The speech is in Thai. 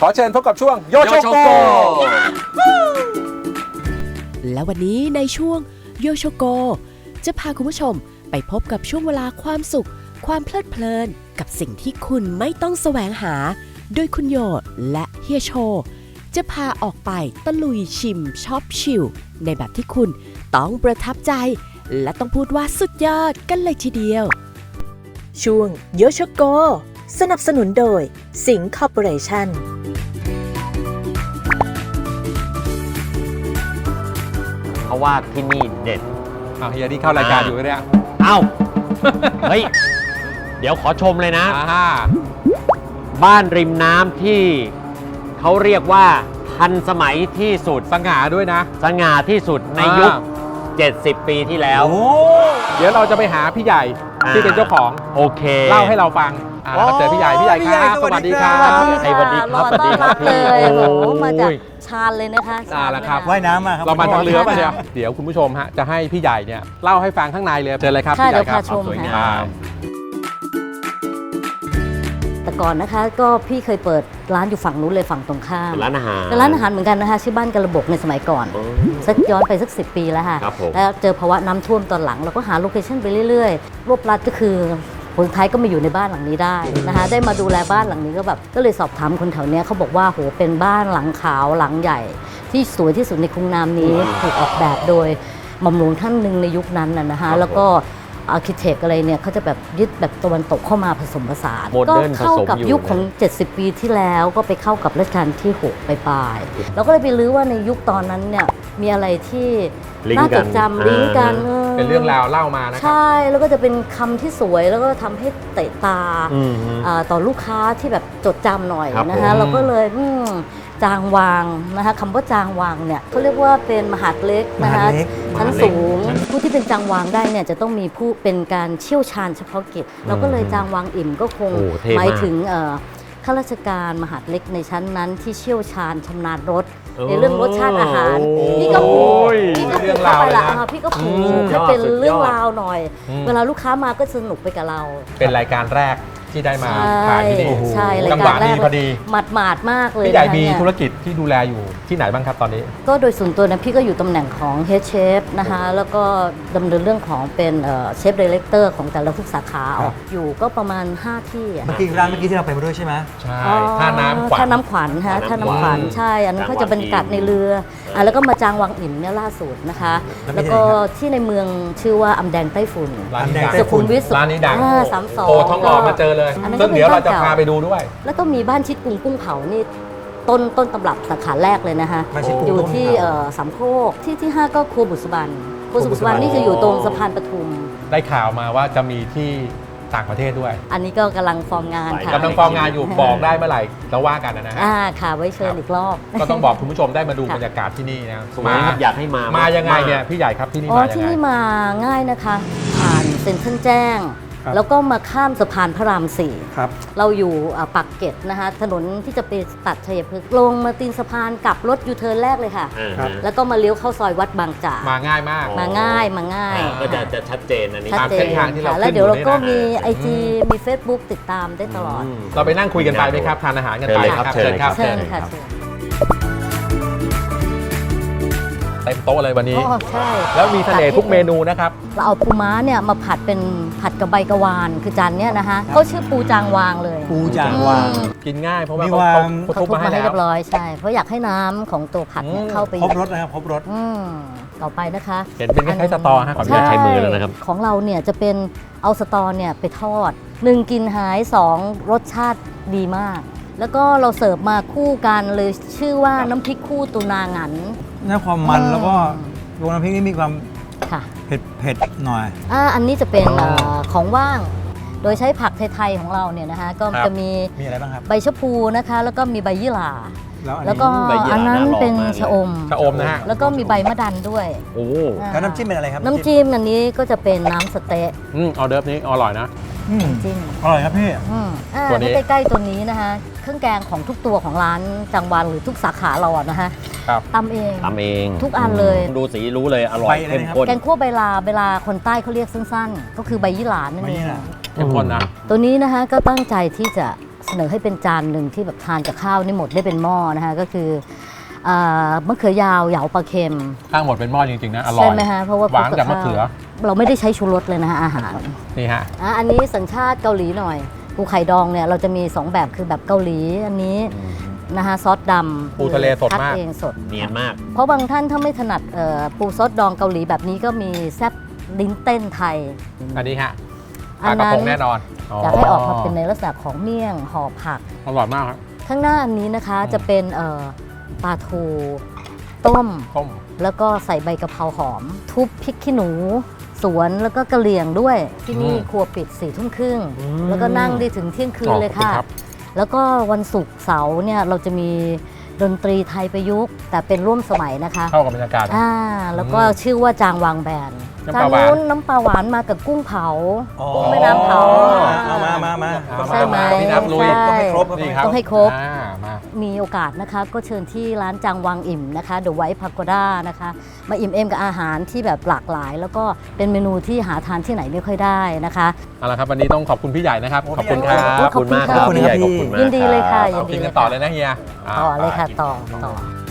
ขอเชิญพบกับช่วงโยโชโกและวันนี้ในช่วงโยโชโกจะพาคุณผู้ชมไปพบกับช่วงเวลาความสุขความเพลิดเพลินกับสิ่งที่คุณไม่ต้องแสวงหาโดยคุณโยและเฮียโชจะพาออกไปตะลุยชิมช็อปชิลในแบบที่คุณต้องประทับใจและต้องพูดว่าสุดยอดกันเลยทีเดียวช่วงโยโชโกสนับสนุนโดยสิงห์คอร์ปอเรชั่นเขาว่าที่นี่เด็ดเฮียที่เข้ารายการอยู่เนี่ยเอ้า เฮ้ย เดี๋ยวขอชมเลยนะบ้านริมน้ำที่เขาเรียกว่าทันสมัยที่สุดสง่าด้วยนะสง่าที่สุดในยุค70 ปีที่แล้วเดี๋ยวเราจะไปหาพี่ใหญ่ที่เป็นเจ้าของโอเคเล่าให้เราฟังเจอพี่ใหญ่ครับสวัสดีครับสวัสดีครับสวัสดีครับเลยโอ้โหมาจากชาญเลยนะคะแล้วครับว่ายน้ำมาครับเรามาทางเรือป่ะเนี่ยเดี๋ยวคุณผู้ชมฮะจะให้พี่ใหญ่เนี่ยเล่าให้ฟังข้างในเลยเจอเลยครับพี่ใหญ่ครับสวยงามแต่ก่อนนะคะก็พี่เคยเปิดร้านอยู่ฝั่งนู้นเลยฝั่งตรงข้ามร้านอาหารเหมือนกันนะคะชื่อบ้านกระบอกในสมัยก่อนสักย้อนไปสัก10 ปีแล้วค่ะแล้วเจอภาวะน้ำท่วมตอนหลังเราก็หาโลเคชั่นไปเรื่อยๆรวบรัดก็คือคนไทยก็มาอยู่ในบ้านหลังนี้ได้นะคะได้มาดูแลบ้านหลังนี้ก็เลยสอบถามคนแถวนี้เขาบอกว่าโหเป็นบ้านหลังขาวหลังใหญ่ที่สวยที่สุดในกรุงน้ำนี้ถูกออกแบบโดยหม่อมหลวงท่านหนึ่งในยุคนั้นนะคะแล้วก็อาร์คิเทคอะไรเนี่ยเขาจะแบบยึดแบบตะวันตกเข้ามาผสมผสานก็เข้ากับยุคของ70 ปีที่แล้วก็ไปเข้ากับรัชกาลที่6ปลายๆเราก็เลยไปลื้อว่าในยุคตอนนั้นเนี่ยมีอะไรที่น่าจดจำลิงก์กันเป็นเรื่องราวเล่ามานะครับใช่แล้วก็จะเป็นคำที่สวยแล้วก็ทำให้เตะตาต่อลูกค้าที่แบบจดจำหน่อยนะคะเราก็เลยจางวางนะคะคำว่าจางวางเนี่ยเขาเรียกว่าเป็นมหาดเล็กนะคะชั้นสูงผู้ที่เป็นจางวางได้เนี่ยจะต้องมีผู้เป็นการเชี่ยวชาญเฉพาะกิจเราก็เลยจางวางอิ่มก็คงหมายถึงข้าราชการมหาดเล็กในชั้นนั้นที่เชี่ยวชาญชำนาญรสในเรื่องรสชาติอาหารพี่ก็ผูกเข้าไปละพี่ก็ผูกให้เป็นเรื่องราวหน่อยเวลาลูกค้ามาก็สนุกไปกับเราเป็นรายการแรกที่ได้มาถ่ายที่นี่ใช่จังหวะดีพอดีหมาดมากเลยพี่ใหญ่มีธุรกิจที่ดูแลอยู่ที่ไหนบ้างครับตอนนี้ก็โดยส่วนตัวนะพี่ก็อยู่ตำแหน่งของ Head Chef นะคะแล้วก็ดำเนินเรื่องของเป็นเชฟดีเลกเตอร์ของแต่ละทุกสาขาอยู่ก็ประมาณ5ที่เมื่อกี้ร้านเมื่อกี้ที่เราไปมาด้วยใช่ไหมใช่ท่าน้ำขวัญท่าน้ำขวัญฮะท่าน้ำขวัญใช่อันนั้นเขาจะบรรยากาศในเรือแล้วก็มาจางวังอิ่มเนี่ยล่าสุดนะคะแล้วก็ที่ในเมืองชื่อว่าอำแดงไต้ฝุ่นสุขุมวิทร้านนี้ดัง 32 โอ้ท้องหล่อมาเจอเลยซึ่งเดี๋ยวเราจะพาไปดูด้วยแล้วก็มีบ้านชิดกุ้งกุ้งเผานี่ต้นตำรับสาขาแรกเลยนะคะอยู่ที่สามโคกที่5ก็ครัวบุษบันนี่จะอยู่ตรงสะพานปทุมได้ข่าวมาว่าจะมีที่ต่างประเทศด้วยอันนี้ก็กำลังฟอร์มงานค่ะกำลังฟอร์มงานอยู่บอกได้เมื่อไหร่เราว่ากันนะฮะค่ะไว้เชิญอีกรอบก็ต้องบอกคุณผู้ชมได้มาดูบรรยากาศที่นี่นะมาอยากให้มายังไงเนี่ยพี่ใหญ่ครับที่นี่มายังไงที่นี่มาง่ายนะคะผ่านเซ็นทรัลแจ้งแล้วก็มาข้ามสะพานพระราม4 ครับเราอยู่ปากเกร็ดนะคะถนนที่จะไปตัดชัยพฤกษ์ลงมาตีนสะพานกลับรถยูเทิร์นแรกเลยค่ะแล้วก็มาเลี้ยวเข้าซอยวัดบางจากมาง่ายมากมาง่ายก็จะชัดเจนอันนี้ชัดเจนแล้วเดี๋ยวเราก็มี IG มี Facebook ติดตามได้ตลอดเราไปนั่งคุยกันไปไหมครับทานอาหารกันไปครับเชิญครับเชิญค่ะเต็มโต๊ะเลยวันนี้ใช่แล้วมีเสน่ห์ทุกเมนูนะครับเราเอาปูม้าเนี่ยมาผัดเป็นผัดกับใบกะวานคือจานเนี้ยนะคะเขาชื่อปูจางวางเลยปูจางวางกินง่ายเพราะว่าเขาทุบมาให้เรียบร้อยใช่เพราะอยากให้น้ำของตัวผัดเนี่ยเข้าไปครบรสนะครับครบรสต่อไปนะคะเห็นเป็นคล้ายๆสตอฮะขออนุญาตใช้มือแล้วนะครับของเราเนี่ยจะเป็นเอาสตอเนี่ยไปทอด1กลิ่นหาย2รสชาติดีมากแล้วก็เราเสิร์ฟมาคู่กันเลยชื่อว่าน้ำพริกคู่ตุนาหงันนี่ความมันแล้วก็ตัวน้ำพริกนี่มีความเผ็ดหน่อยอันนี้จะเป็นของว่างโดยใช้ผักไทยๆของเราเนี่ยนะคะก็จะมีอะไรบ้างครับใบชะพูนะคะแล้วก็มีใบยี่หร่าแล้วก็อันนั้นเป็นชะอมนะฮะแล้วก็มีใบมะดันด้วยแล้วน้ำจิ้มเป็นอะไรครับน้ำจิ้มอันนี้ก็จะเป็นน้ำสเต๊ะออเดิร์ฟนี้อร่อยนะจิ้มอร่อยครับพี่ตัวนี้ใกล้ๆตัวนี้นะคะเครื่องแกงของทุกตัวของร้านจังหวัดหรือทุกสาขาเราอะนะคะตำเองทุกอันเลยดูสีรู้เลยอร่อยเข้มข้นแกงคั่วใบลาคนใต้เขาเรียกสั้นๆก็คือใบยี่หร่านั่นเองเข้มข้นนะตัวนี้นะคะก็ตั้งใจที่จะเสนอให้เป็นจานหนึ่งที่แบบทานกับข้าวนี่หมดได้เป็นหม้อนะคะก็คือมะเขือยาวเหยาปลาเค็มตั้งหมดเป็นหม้อจริงๆนะอร่อยใช่ไหมฮะเพราะว่าหวานจากมะเขือเราไม่ได้ใช้ชูรสเลยนะคะอาหารนี่ฮะอันนี้สัญชาติเกาหลีหน่อยปูไข่ดองเนี่ยเราจะมี2แบบคือแบบเกาหลีอันนี้นะคะซอสดำปูทะเลสดมากคัเองสดเนียนมากเพราะบางท่านถ้าไม่ถนัดปูซอสดองเกาหลีแบบนี้ก็มีแซ่บลิ้นเต้นไทยอันนี้ฮะปอัลาน กระนั้พนงแน่นอนอยากให้ออกมาเป็นในลักษณะของเมี่ยงห่อผักอร่อยมากครับข้างหน้าอันนี้นะคะจะเป็นปลาทูต้มต้มแล้วก็ใส่ใบกะเพราหอม ทุบพริกขี้หนูสวนแล้วก็กระเหลี่ยงด้วย ที่นี่ครัวปิด4 ทุ่มครึ่งแล้วก็นั่งได้ถึงเที่ยงคืนเลยค่ะขอบคุณครับแล้วก็วันศุกร์เสาร์เนี่ยเราจะมีดนตรีไทยประยุกต์แต่เป็นร่วมสมัยนะคะเข้ากับบรรยากาศแล้วก็ชื่อว่าจางวางแบนน้ำจาปลาง หวานนู้นน้ำปลาหวานมากับกุ้งเผาอ๋อกุ้งแม่น้ำเผาเอามาใช่ไหมพี่น้ำลุยใช่ต้องให้ครบนี่ครับต้องให้ครบมามีโอกาสนะคะก็เชิญที่ร้านจางวังอิ่มนะคะเดอะไวท์พาโกด้านะคะมาอิ่มเอมกับอาหารที่แบบหลากหลาย แล้วก็เป็นเมนูที่หาทานที่ไหนไม่ค่อยได้นะคะเอาละครับวันนี้ต้องขอบคุณพี่ใหญ่นะครับ ขอบคุณครับขอบคุณมากขอบคุณมากครับพี่ใหญ่ขอบคุณมากยินดีเลยค่ะรับยินดีกินเลกันยต่อค่ะเลยนะเฮียต่อเลยค่ะกินต่อ